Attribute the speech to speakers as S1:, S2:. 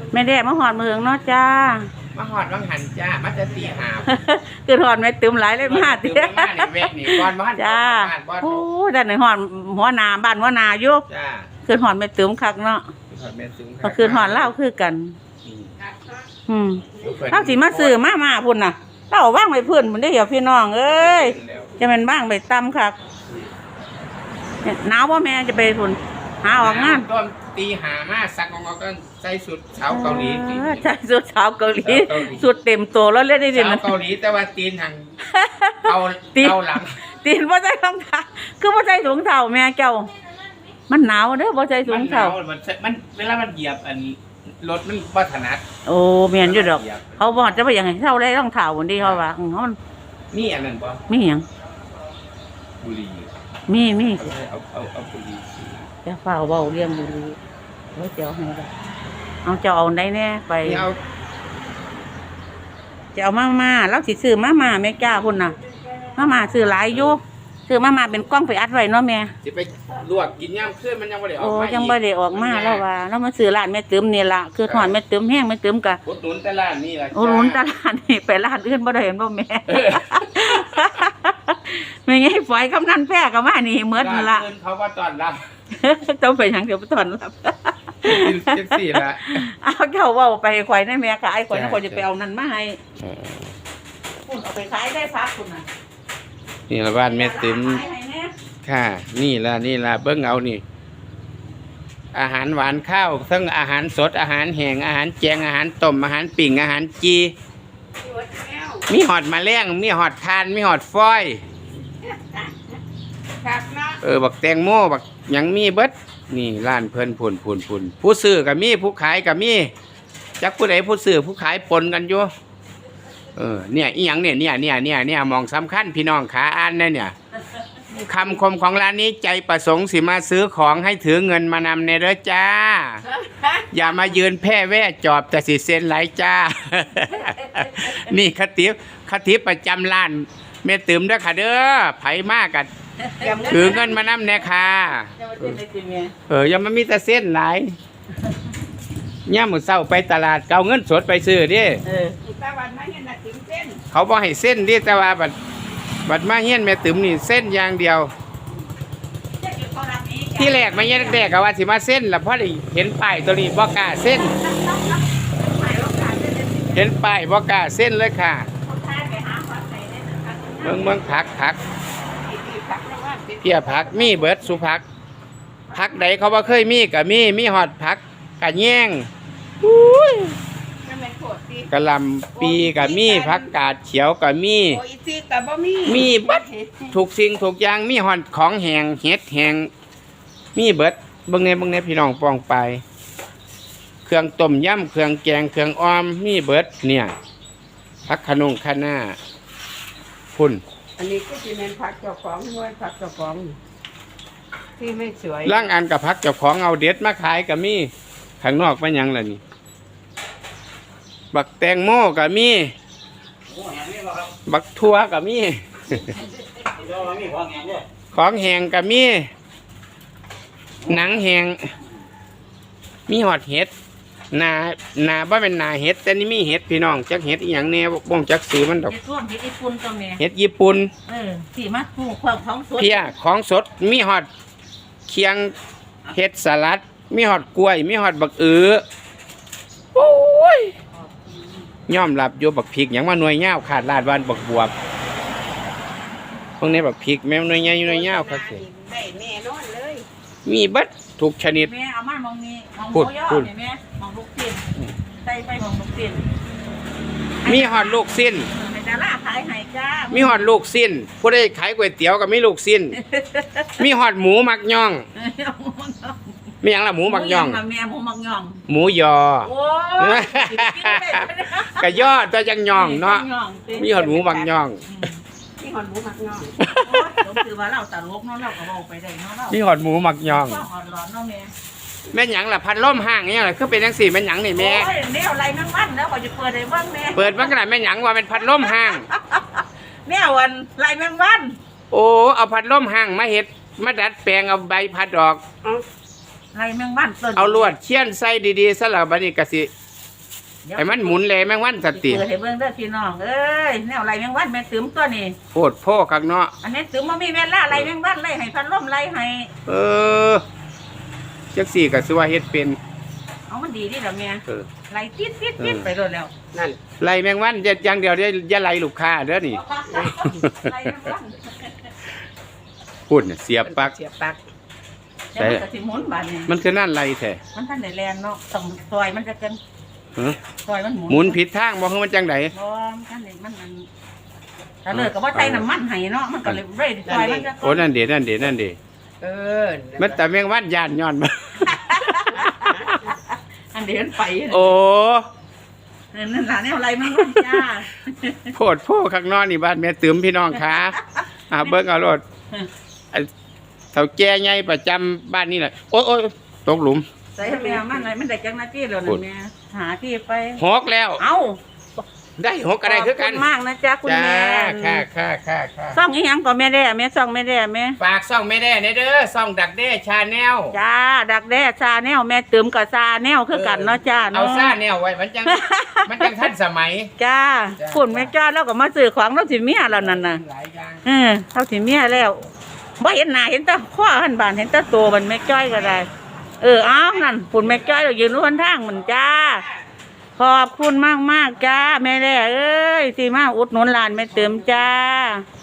S1: แม่แดดมาหอดมือเนาะจ้า
S2: มาหอดวังหันจ้ามาจะตีหา
S1: คือหอดแม่ตึมหลายเลยมา
S2: ตีมาในเวกนี่ก้อนบ้าน
S1: จ้าโอ้ด้านไหนหอดหัวนาบ้านหัวนาอยู่
S2: จ้า
S1: คือหอดแม่ตึมคักเนาะก็คือหอดเล่าคือกันเล่าสิมาซื้อมาพุ่นน่ะเล่าว่างไปพื้นมันได้เหี่ยวพี่น้องเอ้ยจะเป็นบ้างไปตำครับหนาวว่าแม่จะไปพุ่นหาออกงาน
S2: ต้นตีหามาสักงอก็ใส่สุดสาวเกาหลี
S1: ใช่สุดสาวเกาหลีสุดเต็มตัวแล้วเล่นได้ดิ
S2: สาวเกาหลีแต่ว่าตีนทางเอาหลัง
S1: ตีนว่าใจรองเท้าคือว่าใจถุงเท้าแม่เจ้ามันหนาวเด้อว่าใจถุงเท้า
S2: มันเวลามันเหยียบอันรถมันบ่ถนัด
S1: โอ้เมียนอยู่ดอกเขาบอกจะไปอย่างไรเท่าได้รองเท้าบนดีเขาว่าเขา
S2: มีอันนั้นป่ะ
S1: มีอย่าง
S2: บุหรี่
S1: มี
S2: เอาบุหรี่
S1: จะเฝ้าเบาเลี้ยงบุหรี่ไว้เจ้าให้ได้เอาเจ้าเอาได้แน่ไปจะเอามาแล้วสิซื้อมาแม่จ้าพุ่นน่ะมาซื้อหลายอยู่ซื้อมาเป็นกล้องไปอัดไว้เนาะแม่
S2: สิไปลวกกินย่ำขึ้นมันยังไม่ได้ออกมา
S1: ยังไม่ได้ออกมาแล้วว่าแล้วมาซื้อร้านแม่ตึมนี่ละคือถอนแม่ตึมแห้งแม่ตึมกะ
S2: อุดหนุนตลาดนี่แหละ
S1: อุดหนุนตลาดนี่ไปร้านอื่นบ่ได้เห็นบ่แม่ไม่ไงฝอยกำนันแพร่กับมานี่เหมือนละ
S2: เขาว่าตอนรับ
S1: ต้องไปยังเดี๋ยวไปตอนรับ
S2: 14ละ
S1: เอาเจ้าว่าไปข่อยในแม่ขายข่อยจะไปเอานั่นมาให้คุณเอาไปขายได้พักคุณน่ะ
S2: นี่ละบ้านแม่ติ๋มค่ะนี่ละเบิ้งเอานี่อาหารหวานข้าวทั้งอาหารสดอาหารแห้งอาหารแจงอาหารต้มอาหารปิ่งอาหารจีมีหอดมาแล้งมีหอดทานมีหอดฟอยบักแตงโมบักยังมีเบิดนี่ร้านเพิ่นผุนผู้ซื้อกับมีผู้ขายกับมีจักผู้ใดผู้ซื้อผู้ขายปนกันอยู่เนี่ยอีหยังเนี่ยมองสำคัญพี่น้องขาอ่านเนี่ยคำคมของร้านนี้ใจประสงค์สิมาซื้อของให้ถือเงินมานำในเด้อจ้าอย่ามายืนแพ่แว่จอบแต่สิเซ็นไหลจ้านี่คติประจำร้านแม่ติ๋มเด้อค่ะเด้อไผมากกันถือเงินมานำแน่ค่ะอย่ามามีแต่เส้นไหลย่ามื้อเช้าไปตลาดเอาเงินสดไปซื้อดิเขาบอกให้เส้นดิแต่ว่าบัดมาเฮียนแม่ติ๋มนี่เส้นอย่างเดียวที่แรกมาเฮียนแรกก็ว่าสิมาเส้นแล้วพอได้เห็นป้ายตัวนี้บ่กล้าเส้นเห็นป้ายบ่กล้าเส้นเลยค่ะเมืองผักเพี้ยผักมีเบิดสุผักใดเขาบ่เคยมีก็มีหอดผักกะแยงกะหล่ำปีกะมีผักกาดเขียวกะมีเบิดถูกสิ่งถูกอย่างมีหอดของแห้งเห็ดแห้งมีเบิดเบิ่งในพี่น้องปองไปเครื่องต้มยำเครื่องแกงเครื่องอ้อมมีเบิดเนี่ยผักขนงคะน้าพุ่น
S3: อันนี้ก็จะเป็นผักเจ้าของด้วยผักเจ้าของที่ไม่สวย
S2: ล่างอันกับผักเจ้าของเอาเด็ดมาขายกะมีข้างนอกเป็นยังล่ะนี่บักแตงโมกะมีบักทั่วกะมีของแห้งกะมีหนังแห้งมีหอดเห็ดนาบ่เป็นนาเห็ดแต่นี่มีเห็ดพี่น้องจักเห็ดอีหยังแน่บ่งจักซื้อมันดอก
S1: เห็ดญี่ปุ่นตรงนี้
S2: เห็ดญี่ปุ่น
S1: สีมาปลูกของสด
S2: เพี้ยของสดมีหอดเคียงเห็ดสลัดมีหอดกล้วยมีหอดบักโอ้ยย่อมหลับโยบักพริกอย่างว่าหน่วยเง่าขาดลาดวันบักบวบพวกนี้บักพริกแม่หน่วยเง่าหน่วยเง่าครับ
S3: ได้แน่นอนเลย
S2: มีบัดทุกชนิด
S1: แม่เอามามองนี้มองโมย่อเนี่ยแม่มองลูกสิ้นใส่ไปมองลูกสิ้น
S2: มีหอดลูกสิ้น
S1: ดาราขายไห้จ้า
S2: มีหอดลูกสิ้นผู้ใดขายก๋วยเตี๋ยวกับมีลูกสิ้นมีหอดหมูมักย่องมีอย่างละหมูมักย่อง
S1: แม่หมูมักย่อง
S2: หมูยอกะยอตัวจังย่องเนาะมีหอดหมูมักย่อง
S3: มีหอดหมูมักย่อง
S1: คือว่าเราตลกเนาะเราก็บอกไปได้เนาะ
S2: มีหอดหมูมักย่องแม่หยังล่ะพัดลมห้างเนี่ยคือเป็นจังสี่แม่หยังนี่แม่
S1: เดี๋ยวอะไรนั่งวันแล้วก็จะเปิดได้บ้างแม่
S2: เปิดบ้างขนาดแม่หยังว่าเป็นพัดลมห้าง
S1: แม่วันไรแมงวัน
S2: โอ้เอาพัดลมห้างมาเห็ดมาดัดแปลงเอาใบพัดออก
S1: ไรแมงวัน
S2: เอาลวดเชี่ยนใส่ดีๆซะแล้วบัดนี้ก็สิให้มันหมุนเลยแมงวันสติ
S1: เปิดให้เบิ่งเด้อพี่น้องเอ้ยแนวไรแมงวันแม่ตื้มตัวนี้
S2: โพดโพคักเนาะ
S1: อันนี้ตื้มบ่มีเวลาไรแมงวันไล่ให้พันลมไล่ให้
S2: เออจักสี่ก็สิว่าเฮ็ดเป็น
S1: เอามันดีดิล่ะแม่
S2: เออ
S1: ไล่ติดไปโดนแล้ว
S3: นั่น
S2: ไล่แมงวันอย่างเดียวอย่าไล่ลูกค้าเด้อนี่
S1: ไล่แมงวัน
S2: พูดน่ะเสียบปลัก
S3: เสียบปลัก
S1: แต่มันก็สิหมุนบาดนี้
S2: มันคือนั่นไล่แท้
S1: มันทันได้แลนเนาะต้องซอยมันจะจัง
S2: ฮะ
S1: ซอยมัน
S2: หมุนผิดทางบ่คือมันจังได
S1: บ่ทันได้มันถ้าเลิกก็บ่ใส่น้ำมันให้เนาะมันก็เลยเร่ซอยมันจะ
S2: โอ้นั่นเด้นั่นเด้นั่นเด้
S3: เออ
S2: มันแต่แมงวันย่านย้อนมา
S1: อันเดียวมันไป
S2: โอ้
S1: นั่นล่ะแนวไรมันมันจ้า
S2: โพดโพข้างนอกนี่บ้านแม่ตืมพี่น้องค่ะเบิ่งเอารถเฒ่าแก่ใหญ่ประจำบ้านนี่แหละโอ้ยตกหลุม
S1: ใส่แมวมันอะไรมันได้จังหน้าที่แล้วนั่นแม่หาที่ไป
S2: หกแล้ว
S1: เอ้า
S2: ได้หกอะไรคือกัน
S1: ขบณมากนะจ๊ะคุณ
S2: จ้า
S1: แม่
S2: ค่ะ
S1: ซ่องอีหยังก็แม่ได้แม่ซ่องแม่ได้แม่
S2: ฝากซ่องไม่ได้เด้อซ่องดักเด้ชาแนล
S1: จ้าดักแด้ซาแนวแม่ตืมกับซาแนวคือกันเนาะจ้า
S2: เอา
S1: เนาะ
S2: ซ่าแนวไว้มันจังทันสมัย
S1: จ้าฝุ่นแม่จ้าแล้วก็มาซื้อของเราสิเมียแล้วนั่นน่ะ
S2: หลายอย่าง
S1: เขาสิเมียแล้วบ่เห็นหน้าเห็นแต่ข้อหันบานเห็นแต่ตัวมันแม่จ้อยก็ได้อ้าวนั่นฝุ่นแม่จ้อยเรายืนรู้ทางมันจ้าขอบคุณมากจ้าแม่แด้เอ้ยที่มาอุดหนุนร้านแม่เติมจ้า